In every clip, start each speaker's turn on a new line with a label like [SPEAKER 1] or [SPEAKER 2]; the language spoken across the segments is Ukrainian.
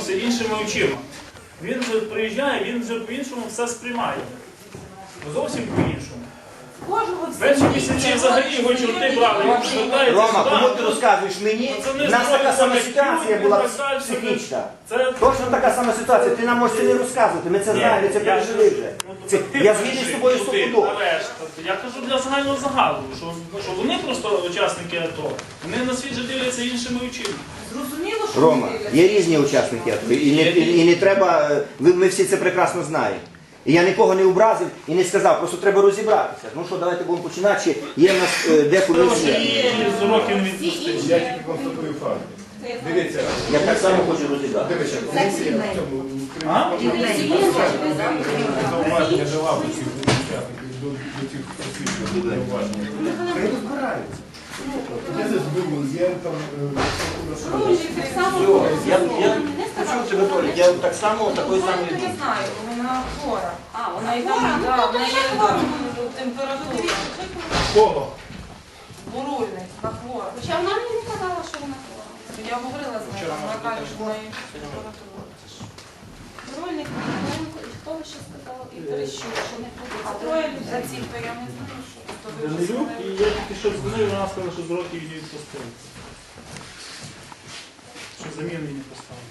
[SPEAKER 1] дивимося іншими очима. Він вже приїжджає, він вже по-іншому все сприймає. Зовсім по-іншому. Перші місяці взагалі його чорти брали, він звертається
[SPEAKER 2] Рома,
[SPEAKER 1] сюди.
[SPEAKER 2] кому ти розказуєш мені? У нас така сама ситуація була психічна. Точно така сама ситуація. Ти нам можеш це не розказувати, ми це знаємо, ми це пережили вже. Я згідний з тобою стопудово.
[SPEAKER 1] Я кажу для загального загалу, що вони просто учасники АТО, вони на світ же дивляться іншими очима.
[SPEAKER 3] Зрозуміло, що
[SPEAKER 2] Рома, є різні учасники АТО, і не треба, ми всі це прекрасно знаємо. І я нікого не образив і не сказав, просто треба розібратися. Ну що, давайте будемо починати, чи є в нас декомісія.
[SPEAKER 1] З уроків не відпустили.
[SPEAKER 4] Я тільки констатую факт. Дивіться,
[SPEAKER 2] Я так само хочу розібратися.
[SPEAKER 4] дивіться, комісія в цьому зауваження дала до цих учасників, до цих посвідчень зауваження. Хай розбираються. Я здесь был, я там...
[SPEAKER 2] Я почув тебе, Толі, я так само, такої самої
[SPEAKER 3] Я
[SPEAKER 2] думки.
[SPEAKER 3] знаю, вона хвора. Вона є температура.
[SPEAKER 4] Кого?
[SPEAKER 3] Бурульник, вона хвора.
[SPEAKER 5] Хоча вона мені не казала, що вона хвора.
[SPEAKER 3] Я говорила з нею, вона каже, що в неї температура.
[SPEAKER 5] Рольник, хто ви ще сказав? І Терещук, що не
[SPEAKER 3] А
[SPEAKER 5] ходить.
[SPEAKER 3] троє людей за ці, то я не знаю, що. То ви вже
[SPEAKER 1] Данилюк, і
[SPEAKER 3] знаєте.
[SPEAKER 1] я тільки що дзвонив, вона сказала, що з уроків її відпустили. Що заміну її не поставили.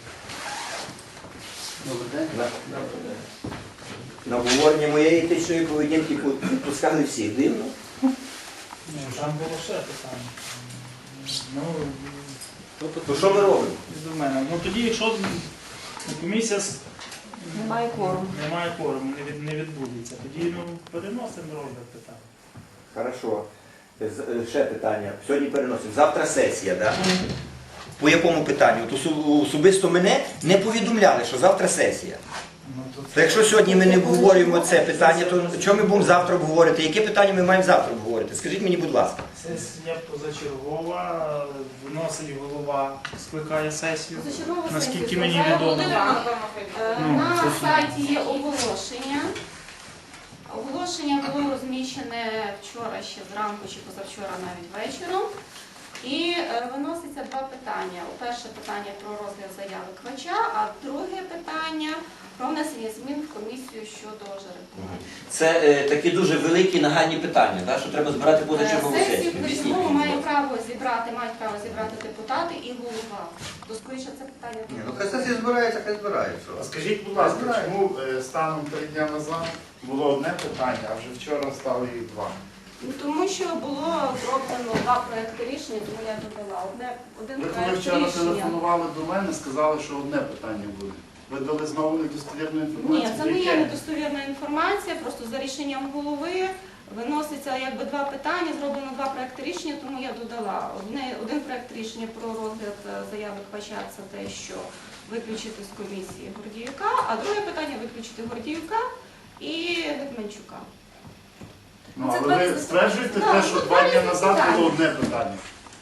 [SPEAKER 2] На обговорення моєї етичної поведінки відпускали всіх. Дивно.
[SPEAKER 1] Ні, там було ще питання. Ну,
[SPEAKER 2] То що ми робимо?
[SPEAKER 1] до мене. Ну тоді, якщо комісія
[SPEAKER 3] Немає кворуму.
[SPEAKER 1] немає кворуму, не відбудеться, тоді переносимо розгляд питання.
[SPEAKER 2] Хорошо. Ще питання. Сьогодні переносимо. Завтра сесія, так? По якому питанню? От особисто мене не повідомляли, що завтра сесія. То якщо сьогодні ми не обговорюємо це питання, то чого ми будемо завтра обговорити? Яке питання ми маємо завтра обговорити? Скажіть мені, будь ласка.
[SPEAKER 1] Сесія позачергова, виносить голова, скликає сесію.
[SPEAKER 5] Позачергова
[SPEAKER 1] Наскільки
[SPEAKER 5] сесія
[SPEAKER 1] мені
[SPEAKER 5] скликає
[SPEAKER 1] відомо.
[SPEAKER 5] голова.
[SPEAKER 1] Ну,
[SPEAKER 5] На
[SPEAKER 1] це
[SPEAKER 5] сайті є оголошення. Оголошення було розміщене вчора ще зранку чи позавчора навіть вечором. І виноситься два питання. Перше питання про розгляд заяви Квача, а друге питання про внесення змін в комісію щодо жеребкування.
[SPEAKER 2] Це такі дуже великі нагальні питання, так? Що треба збирати позачергову
[SPEAKER 5] Сесію
[SPEAKER 2] сесію. Об'ясніть
[SPEAKER 5] позачергову
[SPEAKER 2] мені,
[SPEAKER 5] мають
[SPEAKER 2] будь ласка.
[SPEAKER 5] право зібрати депутати і голова. То скоріше це питання.
[SPEAKER 2] Ні, ну хай сесія збирається, хай збирається.
[SPEAKER 6] А скажіть, будь ласка, чому станом 3 дні назад було одне питання, а вже вчора стало їх два?
[SPEAKER 5] Ну, тому що було зроблено два проекти рішення, тому я додала. Один
[SPEAKER 6] Ви коли
[SPEAKER 5] проект
[SPEAKER 6] вчора
[SPEAKER 5] рішення.
[SPEAKER 6] телефонували до мене, сказали, що одне питання буде. Ви дали знову недостовірну інформацію?
[SPEAKER 5] Ні, це не є
[SPEAKER 6] Яке?
[SPEAKER 5] недостовірна інформація, просто за рішенням голови виноситься якби два питання, зроблено два проекти рішення, тому я додала. Один проект рішення про розгляд заяви Квача – це те, що виключити з комісії Гордіюка, а друге питання – виключити Гордіюка і Гетманчука.
[SPEAKER 6] Ну,
[SPEAKER 5] Це
[SPEAKER 6] але ви
[SPEAKER 5] два-
[SPEAKER 6] стверджуєте
[SPEAKER 5] Да,
[SPEAKER 6] те, що
[SPEAKER 5] це
[SPEAKER 6] 2 дні
[SPEAKER 5] два
[SPEAKER 6] назад
[SPEAKER 5] питання.
[SPEAKER 6] було одне питання?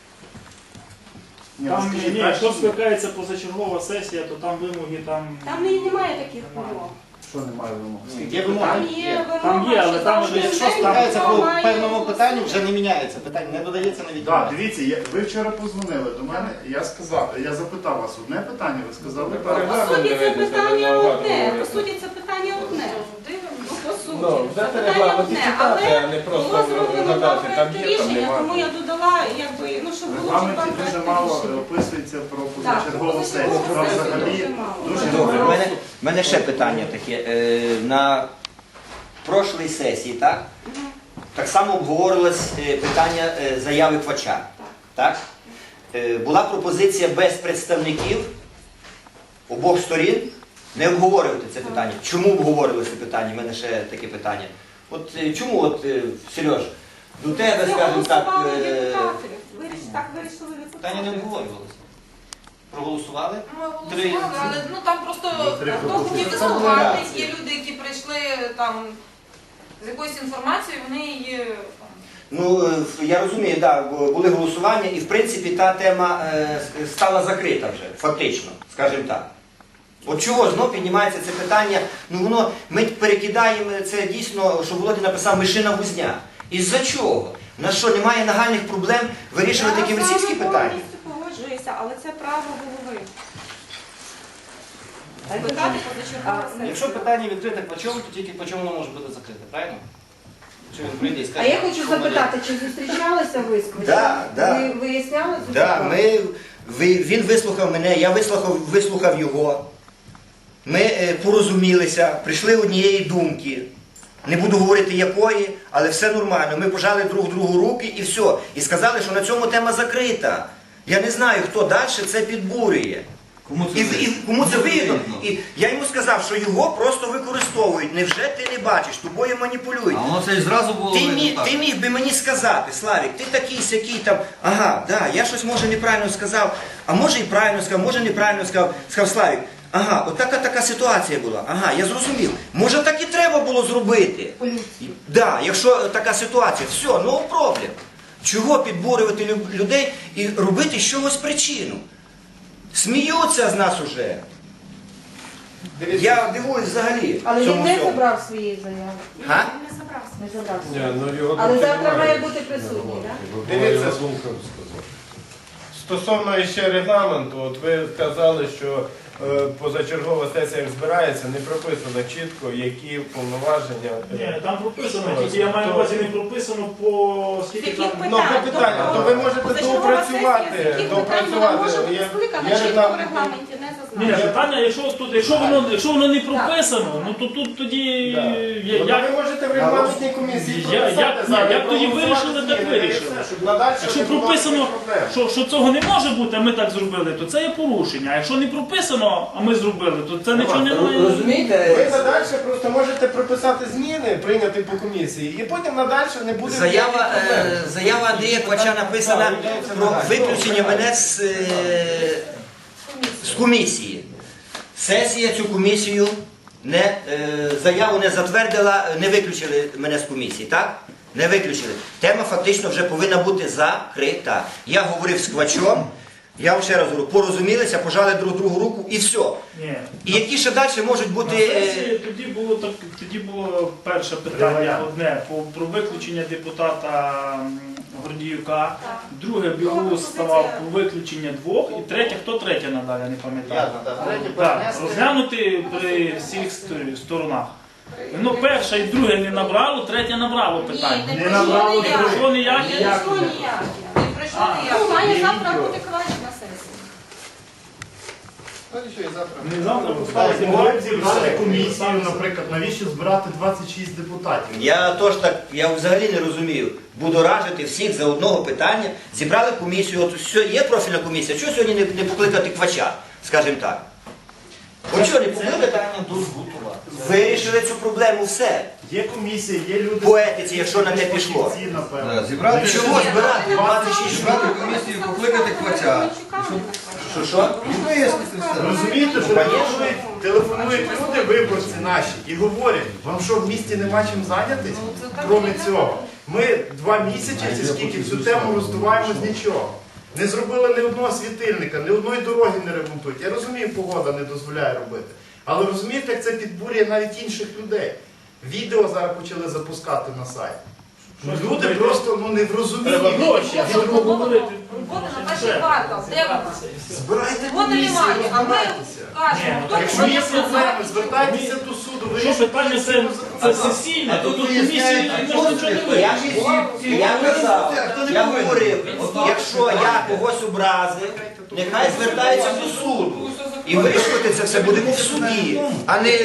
[SPEAKER 6] Ні,
[SPEAKER 1] Там,
[SPEAKER 6] скажіть,
[SPEAKER 1] ні,
[SPEAKER 6] так,
[SPEAKER 1] якщо
[SPEAKER 6] що-
[SPEAKER 1] скликається позачергова сесія, то там вимоги там.
[SPEAKER 5] Там немає таких вимог.
[SPEAKER 6] Що немає вимог?
[SPEAKER 2] Є вимоги.
[SPEAKER 5] Там є вимога,
[SPEAKER 1] Там є, але
[SPEAKER 5] що
[SPEAKER 1] там
[SPEAKER 5] завжди
[SPEAKER 1] вже
[SPEAKER 5] в
[SPEAKER 1] що
[SPEAKER 5] день
[SPEAKER 7] Ставиться по
[SPEAKER 5] голова має
[SPEAKER 7] певному питанню, вже не міняється. Питання не додається на
[SPEAKER 6] Так,
[SPEAKER 7] відповідь.
[SPEAKER 6] дивіться, ви вчора позвонили до мене, я запитав вас одне питання, ви сказали
[SPEAKER 5] По
[SPEAKER 6] так.
[SPEAKER 5] суті, це питання одне. По суті, це питання одне. Ну, по суті, це питання одне. Але було зроблено два проекти рішення, тому я додала, якби, ну, щоб
[SPEAKER 6] В
[SPEAKER 5] було два
[SPEAKER 6] регламенті дуже
[SPEAKER 5] проекти
[SPEAKER 6] мало
[SPEAKER 5] рішення.
[SPEAKER 6] описується про
[SPEAKER 5] Так,
[SPEAKER 6] позачергову сесію.
[SPEAKER 5] позачергову
[SPEAKER 6] Там
[SPEAKER 5] сесію
[SPEAKER 6] взагалі
[SPEAKER 5] дуже мало.
[SPEAKER 6] дуже
[SPEAKER 2] Добре,
[SPEAKER 6] мало.
[SPEAKER 2] в мене ще питання таке. На прошлій сесії, так? Так само обговорювалось питання заяви Квача. Так? Була пропозиція без представників обох сторін не обговорювати це питання. Чому обговорювали це питання? У мене ще таке питання. От чому, Сереж, до тебе,
[SPEAKER 5] Це
[SPEAKER 2] скажімо так,
[SPEAKER 5] голосували депутати. Так вирішили
[SPEAKER 2] питання не
[SPEAKER 5] депутати.
[SPEAKER 2] обговорювалося. Проголосували?
[SPEAKER 8] Ми голосували, але ну там просто хто хотів
[SPEAKER 2] Це
[SPEAKER 8] виступати,
[SPEAKER 2] була
[SPEAKER 8] є люди, які прийшли там з якоюсь інформацією, вони її
[SPEAKER 2] Ну, я розумію, так, були голосування і, в принципі, та тема стала закрита вже, фактично, скажімо так. От чого знов піднімається це питання, ну воно, ми перекидаємо це дійсно, що Володя написав, мишина гузня. Із-за чого? У нас що, немає нагальних проблем вирішувати такі російські питання?
[SPEAKER 5] Я з вами повністю погоджуюся, але це право голови.
[SPEAKER 8] Скликати позачергову сесію.
[SPEAKER 7] Якщо питання відкрите Квачом, то тільки Квачом воно може бути закрите, правильно? Чи він прийде і
[SPEAKER 3] А
[SPEAKER 7] скаже,
[SPEAKER 3] я хочу
[SPEAKER 7] що мене-
[SPEAKER 3] запитати, чи зустрічалися ви з Квачем?
[SPEAKER 2] Да.
[SPEAKER 3] Ви виясняли цю
[SPEAKER 2] Да,
[SPEAKER 3] ситуацію?
[SPEAKER 2] він вислухав мене, я вислухав його. Ми порозумілися, прийшли однієї думки. Не буду говорити якої, але все нормально. Ми пожали друг другу руки і все. І сказали, що на цьому тема закрита. Я не знаю, хто далі це підбурює. Кому це вигідно? І я йому сказав, що його просто використовують. Невже ти не бачиш? Тобою маніпулюють.
[SPEAKER 9] А воно це і зразу було видно, так.
[SPEAKER 2] Ти міг би мені сказати, Славік, ти такий сякий там, ага, да, я щось може неправильно сказав, а може і правильно сказав, може неправильно сказав, Славік, ага, от така ситуація була, ага, я зрозумів. Може так і треба було зробити? Да, якщо така ситуація, все, no problem. Чого підбурювати людей і робити з чогось причину? Сміються з нас уже. Я дивуюсь взагалі.
[SPEAKER 3] Але він
[SPEAKER 2] цьому
[SPEAKER 3] не
[SPEAKER 2] всьому.
[SPEAKER 3] забрав своєї заяви.
[SPEAKER 2] Га?
[SPEAKER 5] Він не забрався.
[SPEAKER 3] Не забрав
[SPEAKER 4] Ні,
[SPEAKER 3] своєї.
[SPEAKER 4] ну його
[SPEAKER 3] Але
[SPEAKER 4] тут
[SPEAKER 3] завтра
[SPEAKER 4] немає.
[SPEAKER 3] має бути присутній, так?
[SPEAKER 4] Дивіться, стосовно ще регламенту, от ви сказали, що позачергова сесія як збирається, не прописано чітко, які повноваження.
[SPEAKER 1] Ні, там прописано, тільки я маю на увазі не прописано по скільки
[SPEAKER 8] Яких
[SPEAKER 1] там.
[SPEAKER 4] Ну, по питанню, то ви можете
[SPEAKER 8] Позачергова сесія, з
[SPEAKER 4] доопрацювати.
[SPEAKER 8] яких питань вона може бути скликана,
[SPEAKER 4] Я не
[SPEAKER 8] чітко
[SPEAKER 4] знаю.
[SPEAKER 8] в регламенті не
[SPEAKER 1] Ні,
[SPEAKER 8] зазначено.
[SPEAKER 1] питання, якщо воно не прописано, ну то тут тоді
[SPEAKER 4] Да. Ну,
[SPEAKER 1] як,
[SPEAKER 4] ви можете в регламентній комісії
[SPEAKER 1] як тоді вирішили, так вирішили. Якщо прописано, що цього не може бути, а ми так зробили, то це є порушення. А якщо не прописано, а ми зробили, то це нічого не має.
[SPEAKER 4] Ви
[SPEAKER 2] Розумієте?
[SPEAKER 4] надальше просто можете прописати зміни, прийняти по комісії, і потім надальше не буде
[SPEAKER 2] Заява,
[SPEAKER 4] ніяких проблем.
[SPEAKER 2] заява Андрія Квача написана про виключення мене з комісії. Сесія цю комісію заяву не затвердила, не виключили мене з комісії, так? Не виключили. Тема фактично вже повинна бути закрита. Я говорив з Квачом, я вам ще раз говорю, порозумілися, пожали друг другу руку і все.
[SPEAKER 1] Ні.
[SPEAKER 2] І які ще далі можуть
[SPEAKER 1] На
[SPEAKER 2] бути...
[SPEAKER 1] сесії тоді було перше питання одне про виключення депутата Гордіюка, друге Білус ставав про виключення двох, і третє, хто третє надалі, я не пам'ятаю.
[SPEAKER 7] Ясно, так. Третє
[SPEAKER 1] Так,
[SPEAKER 7] перенести.
[SPEAKER 1] розглянути при всіх сторонах. Ну, перше і друге не набрало, третє набрало питання.
[SPEAKER 8] Ні, не пройшло ніяк.
[SPEAKER 1] Пройшло ніяке?
[SPEAKER 8] Не пройшло ніяк. Не пройшло ніяк.
[SPEAKER 5] Ну, має завтра бути Квач на сесії.
[SPEAKER 7] Ну, нічого, і завтра.
[SPEAKER 1] Не завтра
[SPEAKER 6] Так,
[SPEAKER 1] поставити.
[SPEAKER 6] могли б зібрати комісію, наприклад, навіщо збирати 26 депутатів?
[SPEAKER 2] Я взагалі не розумію. Будоражити всіх за одного питання. Зібрали комісію, от все, є профільна комісія. Чого сьогодні не покликати Квача, скажімо так? От чого не покликати? Вирішили цю проблему, все.
[SPEAKER 6] Є комісія, є люди...
[SPEAKER 2] По етиці, якщо на те пішло.
[SPEAKER 6] Фахівці, напевно.
[SPEAKER 9] Да, зібрати
[SPEAKER 2] Чого збирати 26
[SPEAKER 9] Зібрати комісію, покликати Квача.
[SPEAKER 2] Що?
[SPEAKER 9] І вияснити все.
[SPEAKER 6] Розумієте, що телефонують люди, виборці наші, і говорять, вам що, в місті нема чим зайнятися? Крім цього. Ми 2 місяці, чи скільки цю тему роздуваємо з нічого. Не зробили ні одного світильника, ні одної дороги не ремонтують. Я розумію, погода не дозволяє робити. Але розумієте, як це підбурює навіть інших людей. Відео зараз почали запускати на сайт. Люди просто не в розумінні.
[SPEAKER 1] Треба гроші,
[SPEAKER 8] Робота
[SPEAKER 1] щоб говорити.
[SPEAKER 8] Робота на перший квартал. Де вона?
[SPEAKER 6] Збирайте
[SPEAKER 8] Вона
[SPEAKER 6] комісію,
[SPEAKER 8] немає, а ми
[SPEAKER 6] розбирайтеся.
[SPEAKER 8] кажемо, хто
[SPEAKER 6] Якщо є
[SPEAKER 8] буде
[SPEAKER 6] проблеми, звертайтеся до суду,
[SPEAKER 1] Що
[SPEAKER 6] вирішуйте
[SPEAKER 1] питання це сесійне, то тут комісії нічого не вирішує.
[SPEAKER 2] Я говорив, якщо я когось образив, нехай звертається до суду. І вирішувати це все будемо в суді, а не...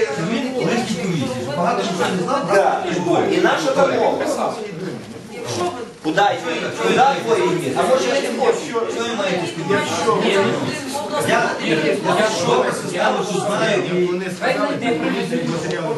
[SPEAKER 2] Да. І наша домова.
[SPEAKER 8] Якщо ви
[SPEAKER 2] Куди твої? А може я не хочу?
[SPEAKER 9] Я тут знаю,
[SPEAKER 4] Вони сказали, де привезуть матеріали.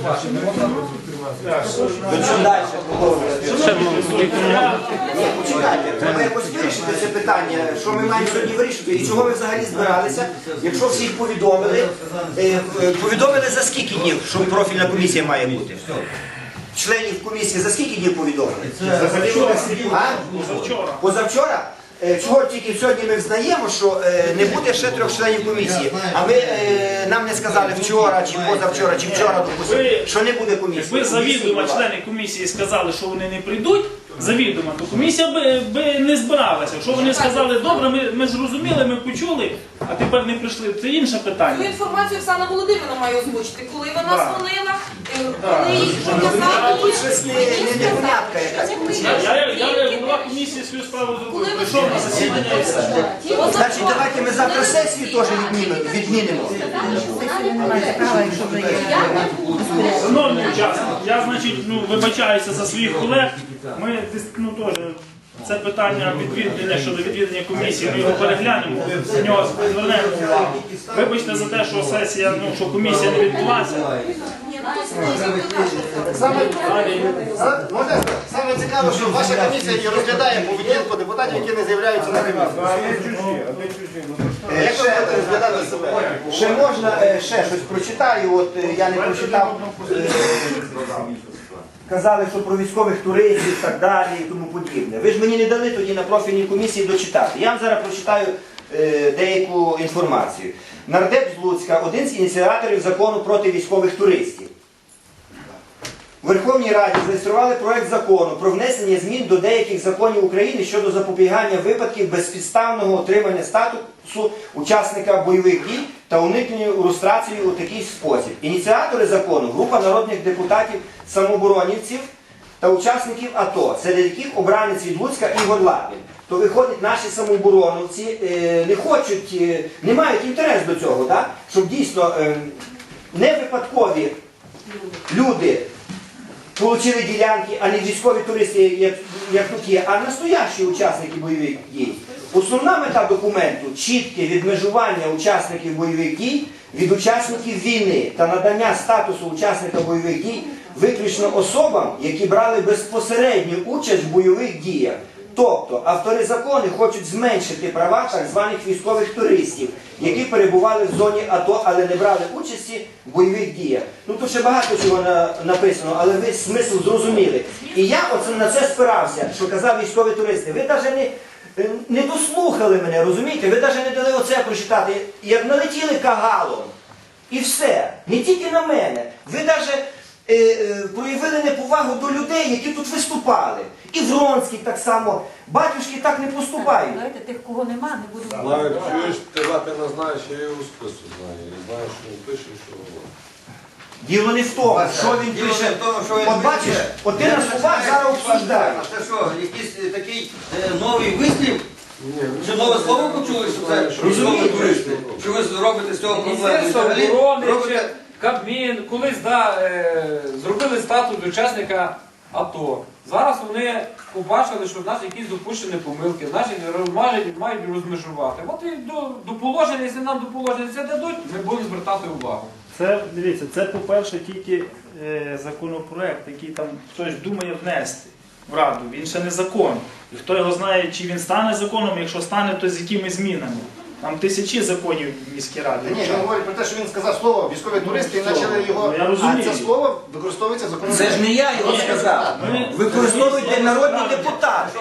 [SPEAKER 2] Ну що далі проговорювати? Ні, почекайте, треба якось вирішити це питання, що ми маємо сьогодні вирішити і чого ми взагалі збиралися, якщо всіх повідомили. Повідомили за скільки днів, що профільна комісія має бути? Членів комісії за скільки днів повідомили?
[SPEAKER 6] взагалі вони всі
[SPEAKER 2] А?
[SPEAKER 1] Позавчора.
[SPEAKER 2] Позавчора? Чого тільки сьогодні ми взнаємо, що не буде ще 3 членів комісії, а нам не сказали вчора, чи позавчора, чи вчора, допустимо, що не буде комісії.
[SPEAKER 1] Якби завідомо члени комісії сказали, що вони не прийдуть, завідомо, то комісія би не збиралася. Якщо вони сказали, добре, ми зрозуміли, ми почули, а тепер не прийшли, це інше
[SPEAKER 8] Цю
[SPEAKER 1] питання.
[SPEAKER 8] інформацію Оксана Володимирівна має озвучити, коли вона
[SPEAKER 1] Так.
[SPEAKER 8] дзвонила, коли їй показали.
[SPEAKER 2] Тут щось непонятка якась.
[SPEAKER 1] Я голова комісії свою справу зробив, прийшов на засідання і все.
[SPEAKER 2] Значить, давайте ми завтра сесію теж відмінимо.
[SPEAKER 1] Шановні учасники, я, значить, вибачаюся за своїх колег. Ми теж це питання відвідання щодо відвідання комісії, ми його переглянемо, на нього звернемо увагу. Вибачте за те, що сесія, що комісія не відбулася.
[SPEAKER 10] Саме цікаво, що ваша комісія і розглядає поведінку депутатів, які не з'являються на комісії. Як ви будете розглядати себе?
[SPEAKER 2] Ще можна, ще щось прочитаю, от я не прочитав. Казали, що про військових туристів і так далі і тому подібне. Ви ж мені не дали тоді на профільній комісії дочитати. Я вам зараз прочитаю деяку інформацію. Нардеп з Луцька, один з ініціаторів закону проти військових туристів. У Верховній Раді зареєстрували проект закону про внесення змін до деяких законів України щодо запобігання випадків безпідставного отримання статусу учасника бойових дій та уникнення люстрації у такий спосіб. Ініціатори закону – група народних депутатів, самооборонівців та учасників АТО, серед яких обранець від Луцька Ігор Лапін. То виходить, наші самообороновці не хочуть, не мають інтерес до цього, так? Щоб дійсно не випадкові люди отримали ділянки, а не військові туристи, як тут є, а настоящі учасники бойових дій. Основна мета документу – чітке відмежування учасників бойових дій від учасників війни та надання статусу учасника бойових дій виключно особам, які брали безпосередню участь в бойових діях. Тобто автори закону хочуть зменшити права так званих військових туристів, які перебували в зоні АТО, але не брали участі в бойових діях. Ну тут ще багато чого написано, але ви смисл зрозуміли. І я оце на це спирався, що казав військові туристи. Ви навіть не дослухали мене, розумієте? Ви навіть не дали оце прочитати. Як налетіли кагалом. І все. Не тільки на мене. Ви навіть проявили неповагу до людей, які тут виступали. І Вронський так само. Батюшки так не поступають.
[SPEAKER 3] Давайте тих, кого нема, не буду
[SPEAKER 11] Знаю, чуєш, ти Лапіна знаєш, я його спису знаю. Я знаю, що він пише, що говорить.
[SPEAKER 2] Діло не в тому, що він пише. От бачиш, от ти на словах зараз обсуждаєш.
[SPEAKER 9] А це що, якийсь такий новий вислів? Чи нове слово почули, що це військові туристи? Що ви робите з цього проблему?
[SPEAKER 7] Міністерство
[SPEAKER 9] Взагалі
[SPEAKER 7] оборони чи
[SPEAKER 9] робите...
[SPEAKER 7] Кабмін колись зробили статус учасника АТО. Зараз вони побачили, що в нас якісь допущені помилки, наші мають розмежувати. От і до положення, якщо нам до положення це дадуть, ми будемо звертати увагу.
[SPEAKER 1] Це, дивіться, це, по-перше, тільки законопроект, який там хтось думає внести в Раду. Він ще не закон. І хто його знає, чи він стане законом, якщо стане, то з якими змінами. Там тисячі законів в міській раді.
[SPEAKER 10] Ні, він говорить про те, що він сказав слово військові туристи і почали його.
[SPEAKER 1] Я розумію.
[SPEAKER 10] А це слово використовується законом.
[SPEAKER 2] Це ж не я його сказав. Використовуйте народні депутати.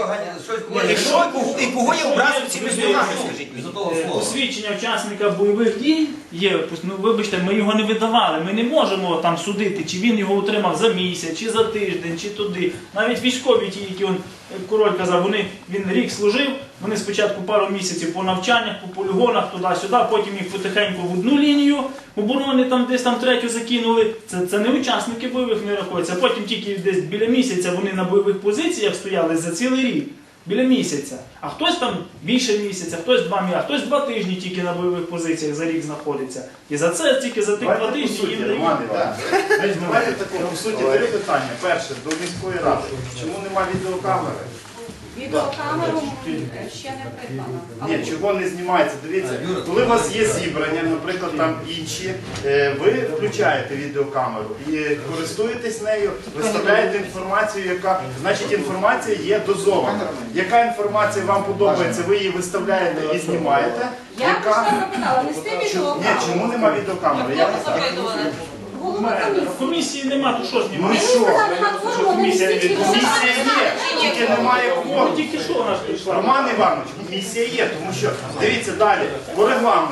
[SPEAKER 2] І кого я образив цими словами, скажіть мені?
[SPEAKER 1] Посвідчення учасника бойових дій є, ну вибачте, ми його не видавали, ми не можемо там судити, чи він його отримав за місяць, чи за тиждень, чи туди. Навіть військові ті, які Король казав, він рік служив, вони спочатку пару місяців по навчаннях, по полігонах, туди-сюди, потім їх потихеньку в одну лінію оборони, там десь там третю закинули. Це не учасники бойових не рахуються. Потім тільки десь біля місяця вони на бойових позиціях стояли за цілий рік. Біля місяця. А хтось там більше місяця, хтось 2 місяці, хтось 2 тижні тільки на бойових позиціях за рік знаходиться. І за це тільки за тих 2 тижні їм дають.
[SPEAKER 6] Давайте такого, в суті, 3 питання. Перше, до міської ради. Чому нема відеокамери?
[SPEAKER 5] Відеокамеру ще не придбано.
[SPEAKER 6] Ні, чого не знімається? Дивіться, коли у вас є зібрання, наприклад, там інші, ви включаєте відеокамеру і користуєтесь нею, виставляєте інформацію, яка, значить, інформація є дозована. Яка інформація вам подобається, ви її виставляєте і знімаєте.
[SPEAKER 5] Я просто запитала, не з тим
[SPEAKER 6] Ні,
[SPEAKER 5] відеокамерою.
[SPEAKER 6] чому нема відеокамери?
[SPEAKER 8] Хто запитували?
[SPEAKER 5] Голова комісії.
[SPEAKER 1] В комісії нема, то що
[SPEAKER 6] Ну
[SPEAKER 1] знімати?
[SPEAKER 6] і що? Комісія є, тільки немає кворуму.
[SPEAKER 1] Тільки що у нас прийшла?
[SPEAKER 6] Роман Іванович, комісія є, тому що, дивіться далі, по регламенту.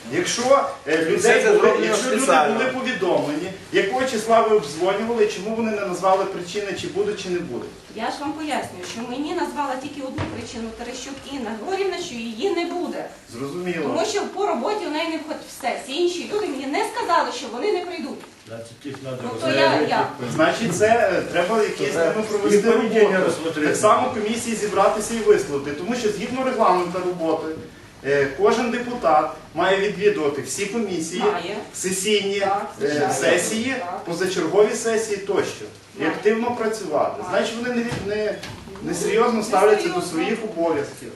[SPEAKER 6] Якщо
[SPEAKER 11] Все це зроблено
[SPEAKER 6] якщо люди
[SPEAKER 11] спеціально.
[SPEAKER 6] були повідомлені, якого числа ви обдзвонювали, чому вони не назвали причини, чи будуть, чи не будуть?
[SPEAKER 5] Я ж вам пояснюю, що мені назвала тільки одну причину Терещук Інна Григорівна, що її не буде.
[SPEAKER 6] Зрозуміло.
[SPEAKER 5] Тому що по роботі в неї не входить все. Всі інші люди мені не сказали, що вони не прийдуть. Тобто я.
[SPEAKER 6] Значить, це треба якесь з ними провести роботу. Так само комісії зібратися і висловити. Тому що згідно регламенту роботи, кожен депутат має відвідувати всі комісії,
[SPEAKER 5] Має.
[SPEAKER 6] сесійні
[SPEAKER 5] Так, звичайно.
[SPEAKER 6] сесії,
[SPEAKER 5] Так.
[SPEAKER 6] позачергові сесії тощо. І
[SPEAKER 5] Має.
[SPEAKER 6] активно працювати.
[SPEAKER 5] Має.
[SPEAKER 6] Значить, вони не серйозно ставляться до своїх обов'язків.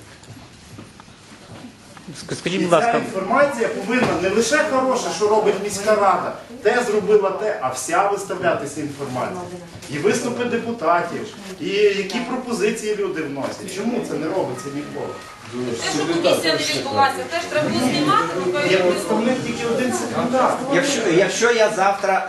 [SPEAKER 1] Скажіть,
[SPEAKER 6] І ця інформація повинна не лише хороша, що робить міська рада, те зробила те, а вся виставлятися інформація. І виступи депутатів, і які пропозиції люди вносять. Чому це не робиться ніколи?
[SPEAKER 8] Те, що комісія не відбулася, теж треба було знімати, ну,
[SPEAKER 6] Є представник тільки один секретар.
[SPEAKER 2] Якщо я завтра,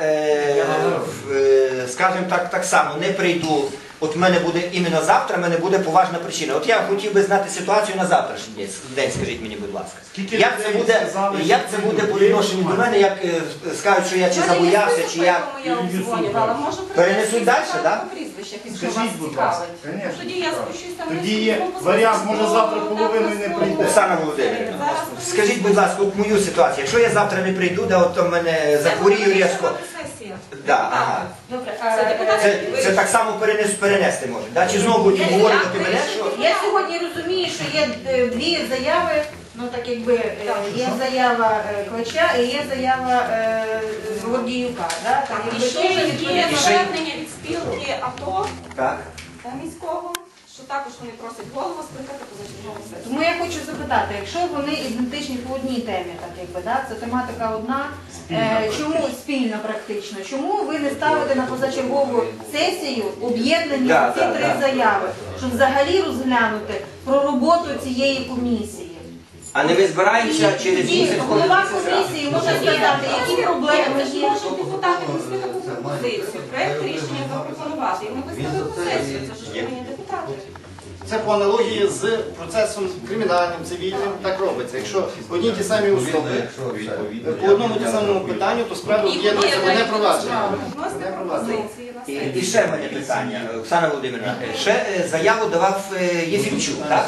[SPEAKER 2] скажімо так само не прийду, от в мене буде іменно завтра, в мене буде поважна причина. От я хотів би знати ситуацію на завтрашній день, скажіть мені, будь ласка.
[SPEAKER 6] Скільки
[SPEAKER 2] Як це
[SPEAKER 6] людей
[SPEAKER 2] буде,
[SPEAKER 6] сказали,
[SPEAKER 2] як
[SPEAKER 6] що
[SPEAKER 2] це
[SPEAKER 6] не
[SPEAKER 2] буде по
[SPEAKER 6] буде
[SPEAKER 2] відношенню до мене, як скажуть, що я чи забоявся, чи як.
[SPEAKER 5] Я обдзвонювала. Можу
[SPEAKER 2] Перенесуть далі, да?
[SPEAKER 5] по прізвищах, якщо
[SPEAKER 6] Скажіть,
[SPEAKER 5] вас
[SPEAKER 6] будь ласка.
[SPEAKER 5] цікавить.
[SPEAKER 6] Конечно,
[SPEAKER 5] Тоді я спущуся вниз.
[SPEAKER 6] Тоді є варіант, може завтра половиною не прийде.
[SPEAKER 2] Оксана Володимирівна, скажіть, будь ласка, от мою ситуацію. Якщо я завтра не прийду, да, от то мене захворію різко. Да, ага.
[SPEAKER 5] Добре,
[SPEAKER 2] Це так само перенести може. Да? Чи знову будуть говорити мене, що
[SPEAKER 3] Я сьогодні розумію, що є дві заяви, ну так якби є заява Клича і є заява Гордіюка. Да? Так,
[SPEAKER 5] І
[SPEAKER 3] якби
[SPEAKER 5] ще
[SPEAKER 3] теж
[SPEAKER 5] є
[SPEAKER 3] відповідно.
[SPEAKER 5] звернення від спілки АТО
[SPEAKER 2] так?
[SPEAKER 5] міського, що також вони просять голову скликати позачергову сесію.
[SPEAKER 3] Тому я хочу запитати, якщо вони ідентичні по одній темі, так якби, да? Це тематика одна, чому спільна практично, чому ви не ставите на позачергову сесію об'єднані
[SPEAKER 2] Да,
[SPEAKER 3] ці
[SPEAKER 2] да,
[SPEAKER 3] три
[SPEAKER 2] да.
[SPEAKER 3] заяви, щоб взагалі розглянути про роботу цієї комісії?
[SPEAKER 2] А не ви збираємося через
[SPEAKER 3] І
[SPEAKER 2] місяць? коли
[SPEAKER 3] голова
[SPEAKER 2] це
[SPEAKER 3] комісії може сказати, які проблеми
[SPEAKER 5] Це ж
[SPEAKER 3] є.
[SPEAKER 5] можуть депутати внести таку пропозицію, проект рішення запропонувати. І ми виставимо сесію, це ж повинні депутати.
[SPEAKER 10] Це по аналогії з процесом кримінальним, цивільним, так робиться. Якщо одні ті самі особи по одному ті самому питанню, то справи об'єднуються в одне провадження.
[SPEAKER 5] Вносити пропозиції на сесію.
[SPEAKER 2] І ще в мене питання, Оксана Володимирівна. Ще заяву давав Єфімчук, так?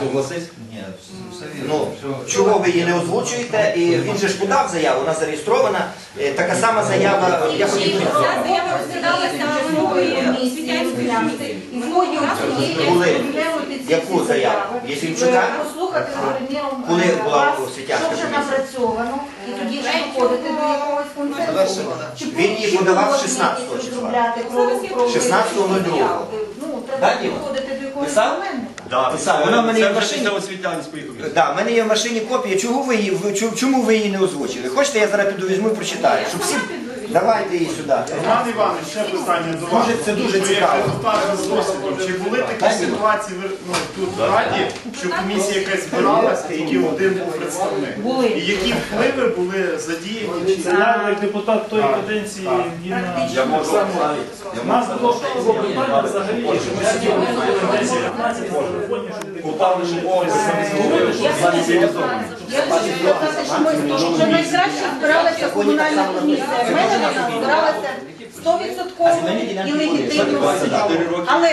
[SPEAKER 2] Ну, чого ви її не озвучуєте? І він же ж подав заяву, вона зареєстрована. Така сама заява, я хотів.
[SPEAKER 5] Ця заява розглядалася в минулої освітянської комісії.
[SPEAKER 3] І в ході цієї
[SPEAKER 2] Коли?
[SPEAKER 3] розглянути ці
[SPEAKER 2] Яку
[SPEAKER 3] всі
[SPEAKER 2] заяву?
[SPEAKER 3] заяви,
[SPEAKER 2] Єфімчука?
[SPEAKER 3] послухати
[SPEAKER 2] Коли була
[SPEAKER 3] вас,
[SPEAKER 2] освітянська
[SPEAKER 3] що вже
[SPEAKER 2] комісія?
[SPEAKER 3] напрацьовано, і тоді вже доходити до якогось консенсусу. Чи
[SPEAKER 2] Він її
[SPEAKER 3] чи
[SPEAKER 2] подавав
[SPEAKER 3] можна
[SPEAKER 2] 16
[SPEAKER 3] якісь
[SPEAKER 2] числа.
[SPEAKER 3] розробляти про
[SPEAKER 2] 16.02.
[SPEAKER 3] Ну,
[SPEAKER 2] Да,
[SPEAKER 3] треба
[SPEAKER 2] Діма?
[SPEAKER 3] доходити до якогось
[SPEAKER 2] Писав?
[SPEAKER 3] моменту.
[SPEAKER 2] Писав. Вона в мене є в машині.
[SPEAKER 11] освітянської комісії.
[SPEAKER 2] Да, в мене є в машині копія. Чому ви її не озвучили? Хочете, я зараз піду візьму і прочитаю. Щоб всі... Давайте її сюди.
[SPEAKER 6] Роман Іванович, ще питання до вас.
[SPEAKER 2] Це дуже
[SPEAKER 6] Ви як
[SPEAKER 2] цікаво.
[SPEAKER 6] депутат з досвідом, чи були такі ситуації тут в Раді, що комісія якась збиралася, і один був представник?
[SPEAKER 3] Були.
[SPEAKER 6] І які впливи були задіяні? Чи
[SPEAKER 1] Я як депутат тої каденції
[SPEAKER 11] Я можу
[SPEAKER 1] у нас було питання взагалі, що ми сиділи в 10-15 телефонів, щоб депутати ще когось говорили, що в залі цивілізовано.
[SPEAKER 3] Я хочу сказати, що ми вже найкраще збиралася комунальна комісія. В мене вона збиралася 100% і легітимно. Але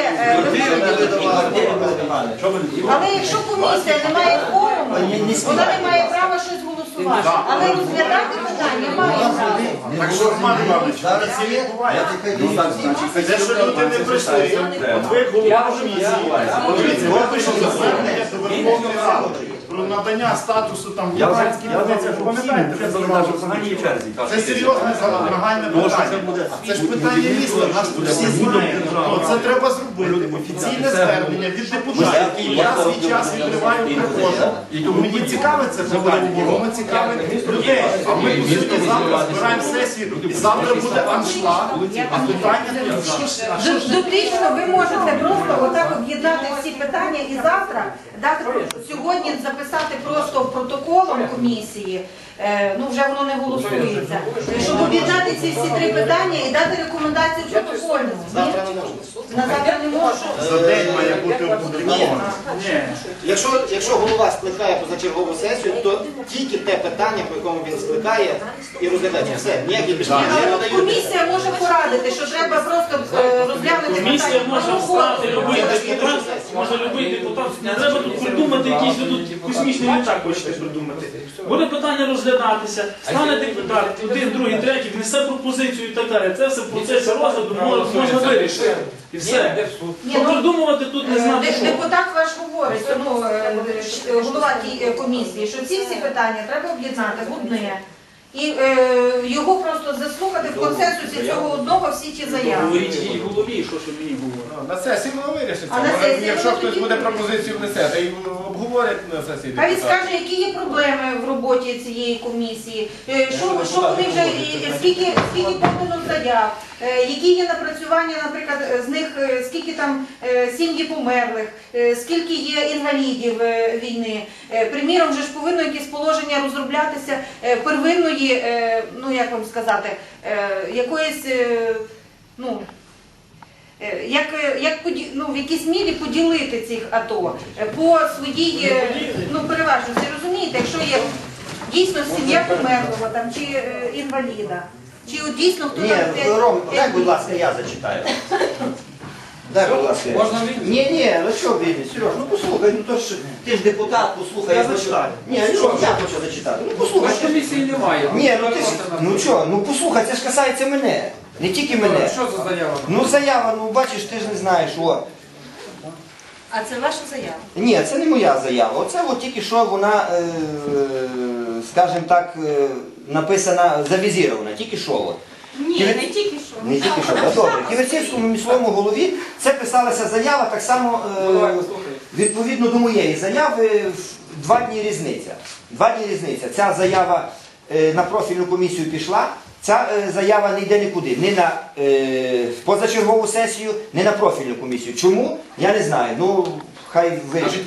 [SPEAKER 3] якщо комісія не має кворуму, вона не має права щось голосувати. Але розглядати питання має право.
[SPEAKER 6] Так що, Роман Іванович, це відбувається. Те, що люди не прийшли, от ви голова комісії, подивіться, ви пишете звернення до Верховної Ради про надання статусу там громадській позиції. Пам'ятаєте, ви зауважили? Це серйозне нагальне питання. Це ж питання міста, нас тут всі знають. Це треба зробити. Офіційне звернення від депутатів. Я свій час відкриваю приходу. Мені цікаве це питання, і воно цікавить людей. А ми, по суті, завтра збираємо сесію, і завтра буде аншлаг, а питання не
[SPEAKER 3] Дотично ви можете просто отак об'єднати всі питання і завтра дати сьогодні записати просто протоколом комісії, ну вже воно не голосується, щоб об'єднати розглянути ці всі 3 питання і дати рекомендацію протокольну.
[SPEAKER 10] Завтра не можна.
[SPEAKER 3] На завтра не можу.
[SPEAKER 6] За день має бути опубліковано.
[SPEAKER 1] Ні.
[SPEAKER 10] Якщо голова скликає позачергову сесію, то тільки те питання, по якому він скликає, і розглядається. Все, ніякі більше не надають.
[SPEAKER 3] Комісія може порадити, що треба просто розглянути
[SPEAKER 1] Комісія
[SPEAKER 3] питання.
[SPEAKER 1] може встати, любий депутат, може любий депутат. Не треба тут придумати якийсь тут космічний літак, хочете придумати. Буде питання розглядатися, стане депутат, один, другий, третій, внесе пропозицію і так далі. Це все в процесі розгляду можна вирішити. І все.
[SPEAKER 3] Ні,
[SPEAKER 1] Що
[SPEAKER 3] ну,
[SPEAKER 1] придумувати тут не знати що.
[SPEAKER 3] Депутат ваш говорить, голова тієї комісії, що ці всі питання треба об'єднати в одне. І його просто заслухати в консенсусі цього одного всі ті заяви.
[SPEAKER 1] Говоріть їй голові, що мені говорить.
[SPEAKER 4] На сесії воно вирішиться.
[SPEAKER 3] А на сесії
[SPEAKER 4] Якщо
[SPEAKER 3] воно
[SPEAKER 4] хтось
[SPEAKER 3] тоді
[SPEAKER 4] буде
[SPEAKER 3] вирішиться.
[SPEAKER 4] пропозицію внесе, то й обговорять на сесії
[SPEAKER 3] Хай він
[SPEAKER 4] депутати.
[SPEAKER 3] скаже, які є проблеми в роботі цієї комісії, що вони вже, скільки подано заяв, які є напрацювання, наприклад, з них, скільки там сім'ї померлих, скільки є інвалідів війни. Приміром, вже ж повинно якесь положення розроблятися первинної, ну як вам сказати, якоїсь, ну, в якійсь мірі поділити цих АТО по своїй переважності. Розумієте, якщо є дійсно сім'я померлого там, чи інваліда, чи от дійсно хто
[SPEAKER 2] Ні,
[SPEAKER 3] там
[SPEAKER 2] Ром, дай, будь ласка, я зачитаю. Дай, будь ласка.
[SPEAKER 7] Можна відповідь?
[SPEAKER 2] Ні, ну що відповідь, Сереж, ну послухай, ну то ж ти ж депутат, послухай.
[SPEAKER 7] Я зачитаю.
[SPEAKER 2] Ні, ну що, я хочу зачитати. Ну послухай.
[SPEAKER 7] Бо комісії немає.
[SPEAKER 2] Ні, ну ти ж, ну що, ну послухай, це ж касається мене. Не тільки мене.
[SPEAKER 7] Що за заява?
[SPEAKER 2] Ну заява, ну бачиш, ти ж не знаєш, о.
[SPEAKER 3] А це ваша заява?
[SPEAKER 2] Ні, це не моя заява. Оце от тільки що вона, скажімо так, написана, завізірована, тільки що. От.
[SPEAKER 5] Ні, не тільки що.
[SPEAKER 2] Не тільки що, так, добре. В Ківерцівському міському голові це писалася заява так само відповідно до моєї заяви, 2 дні різниця. 2 дні різниця. Ця заява на профільну комісію пішла, ця заява не йде нікуди, ні на позачергову сесію, ні на профільну комісію. Чому? Я не знаю. Ну, хай вирішить.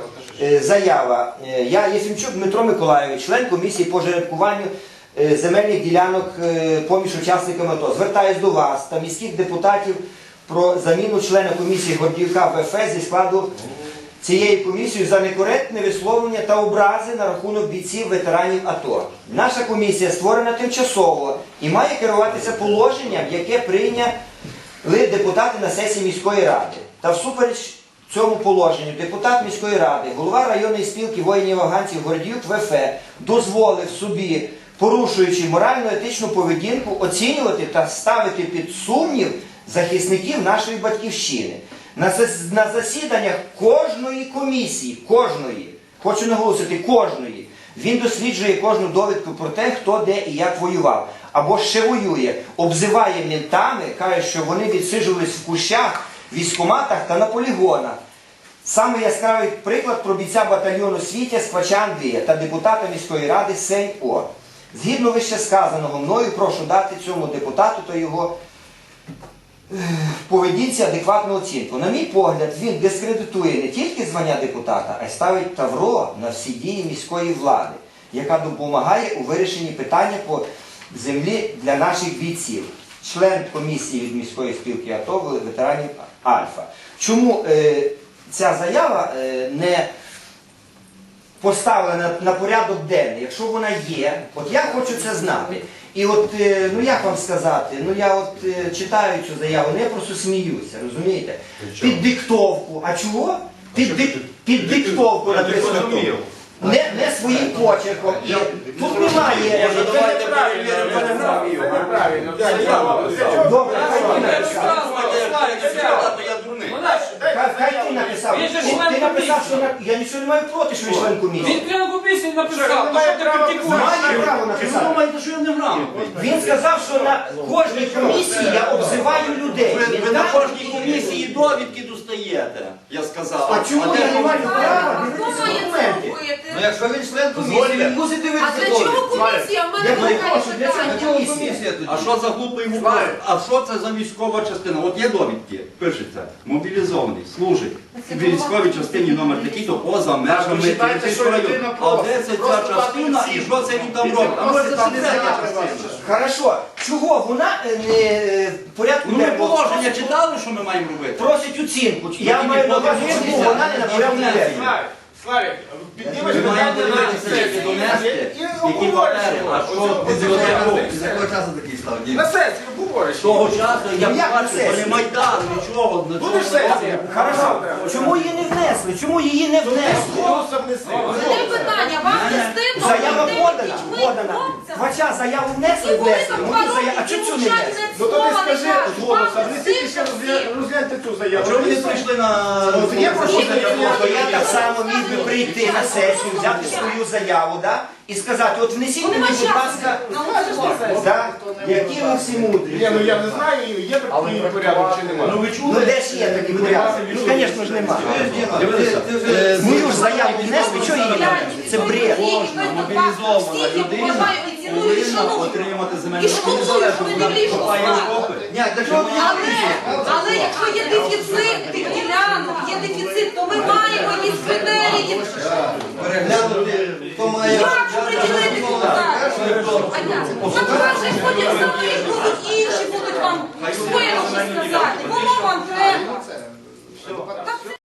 [SPEAKER 2] Заява. Я Єфімчук Дмитро Миколайович, член комісії по жеребкуванню земельних ділянок поміж учасниками АТО. Звертаюсь до вас та міських депутатів про заміну члена комісії Гордіюка ВФ зі складу цієї комісії за некоректне висловлення та образи на рахунок бійців ветеранів АТО. Наша комісія створена тимчасово і має керуватися положенням, яке прийняли депутати на сесії міської ради. Та всупереч цьому положенню депутат міської ради, голова районної спілки воїнів-афганців Гордіюк ВФ дозволив собі, порушуючи морально-етичну поведінку, оцінювати та ставити під сумнів захисників нашої батьківщини. На засіданнях кожної комісії, хочу наголосити, кожної, він досліджує кожну довідку про те, хто де і як воював. Або ще воює, обзиває ментами, каже, що вони відсиджувались в кущах, військкоматах та на полігонах. Саме яскравий приклад про бійця батальйону Світя Сквача Андрія та депутата міської ради Сень О. Згідно вище сказаного, мною прошу дати цьому депутату та його поведінці адекватну оцінку. На мій погляд, він дискредитує не тільки звання депутата, а й ставить тавро на всі дії міської влади, яка допомагає у вирішенні питання по землі для наших бійців. Член комісії від міської спілки АТО ветеранів Альфа. Чому ця заява не поставлена на порядок денний, якщо вона є, от я хочу це знати. І от, ну як вам сказати, ну я от читаю цю заяву, ну я просто сміюся, розумієте? Під диктовку, а чого? Під диктовку написано тут. Не своїм почерком. І тут немає. Добре, хай ти написав. Ти написав, що я нічого не маю проти, що він член комісії.
[SPEAKER 7] Він член комісії написав, то що ти критикуєш?
[SPEAKER 2] Має право написати.
[SPEAKER 9] Ви думаєте, що я не грав?
[SPEAKER 2] Він сказав, що на кожній комісії я обзиваю людей.
[SPEAKER 9] Ви на кожній комісії довідки достаєте, я сказав.
[SPEAKER 2] А чому я не маю права
[SPEAKER 8] Хто
[SPEAKER 2] дивитися
[SPEAKER 8] має це
[SPEAKER 2] документи?
[SPEAKER 8] робити?
[SPEAKER 9] Ну якщо він член комісії, він мусить
[SPEAKER 8] А
[SPEAKER 9] дивитися
[SPEAKER 8] для чого
[SPEAKER 9] довідки.
[SPEAKER 8] комісія? В мене
[SPEAKER 2] Я
[SPEAKER 8] немає
[SPEAKER 2] прошу, для чого
[SPEAKER 8] питання.
[SPEAKER 2] комісія?
[SPEAKER 9] А що за глупий вопрос? А що це за військова частина? От є довідки, пишеться, мобілізований, служить в військовій частині номер такий-то поза межами
[SPEAKER 6] Почитайте,
[SPEAKER 9] Ківерцівського
[SPEAKER 6] що
[SPEAKER 9] району.
[SPEAKER 6] людина
[SPEAKER 9] А
[SPEAKER 6] просить.
[SPEAKER 9] де це
[SPEAKER 6] Просто
[SPEAKER 9] ця частина і що це він там робить? А може це секретна частина?
[SPEAKER 2] Хорошо, чого вона не в порядку
[SPEAKER 9] Ну ми
[SPEAKER 2] денному
[SPEAKER 9] положення читали, що ми маємо робити?
[SPEAKER 2] просить оцінку. Я маю на увазі, чому вона не на порядку денному.
[SPEAKER 10] Славік, піднімеш
[SPEAKER 9] Ми маємо
[SPEAKER 10] питання на
[SPEAKER 9] дивитися, які
[SPEAKER 10] сесії
[SPEAKER 9] донести,
[SPEAKER 10] і
[SPEAKER 9] які
[SPEAKER 10] обговориш
[SPEAKER 9] папери,
[SPEAKER 10] його.
[SPEAKER 9] а що
[SPEAKER 10] Оце
[SPEAKER 9] бібліотеку.
[SPEAKER 10] все.
[SPEAKER 9] З якого часу такий став дім?
[SPEAKER 10] На сесії обговориш.
[SPEAKER 9] З того часу я
[SPEAKER 2] Ну, як на
[SPEAKER 9] бачу, що
[SPEAKER 2] сесії?
[SPEAKER 9] не Майдан, нічого.
[SPEAKER 10] Будеш сесія?
[SPEAKER 2] Хорошо. Чому її не внесли? Чому її не внесли?
[SPEAKER 10] Голосом неси.
[SPEAKER 8] Це питання, вам не стидно?
[SPEAKER 2] Заява
[SPEAKER 8] бути
[SPEAKER 2] подана.
[SPEAKER 8] дітьми,
[SPEAKER 2] Подана.
[SPEAKER 8] хлопцями?
[SPEAKER 2] Хвача заяву внесли,
[SPEAKER 8] Які були
[SPEAKER 2] внесли.
[SPEAKER 8] там
[SPEAKER 2] Мої
[SPEAKER 8] 2
[SPEAKER 2] заяви.
[SPEAKER 8] роки,
[SPEAKER 2] А чому
[SPEAKER 8] які
[SPEAKER 2] цю не
[SPEAKER 8] мовчать,
[SPEAKER 2] внесли?
[SPEAKER 8] не
[SPEAKER 10] Ну то ти
[SPEAKER 8] слова не
[SPEAKER 10] скажи
[SPEAKER 8] кажуть.
[SPEAKER 10] з голосом,
[SPEAKER 8] Вам
[SPEAKER 10] внесіть ще
[SPEAKER 8] стидно всім.
[SPEAKER 10] розгляньте цю заяву.
[SPEAKER 9] Чому ви не прийшли на...
[SPEAKER 10] От є про що
[SPEAKER 2] То я так само міг би прийти на сесію, взяти свою заяву, да, і сказати, от внесіть
[SPEAKER 8] Ну,
[SPEAKER 2] мені,
[SPEAKER 8] нема
[SPEAKER 2] будь
[SPEAKER 8] часу.
[SPEAKER 2] ласка,
[SPEAKER 8] Ну,
[SPEAKER 2] да, які ви всі мудрі.
[SPEAKER 10] Ні, ну я не знаю, є такий порядок чи немає.
[SPEAKER 9] Ну ви чули?
[SPEAKER 2] Ну де ж є такий порядок? Ну, звісно ж немає.
[SPEAKER 9] Дивися, ти вже...
[SPEAKER 2] Мою ж заяву внесли, чого її не внесли? Це бред.
[SPEAKER 9] Кожна мобілізована людина повинна отримати земельну незалежно. Вона копає окопи. Ні, для чого мені
[SPEAKER 8] Але якщо є дефіцит тих ділянок, є дефіцит, то ми маємо якісь критерії.
[SPEAKER 9] переглянути, хто має...
[SPEAKER 8] Як приділити депутатів? Запрошую, ходять самі, будуть інші, будуть вам своє щось сказати. Воно вам треба.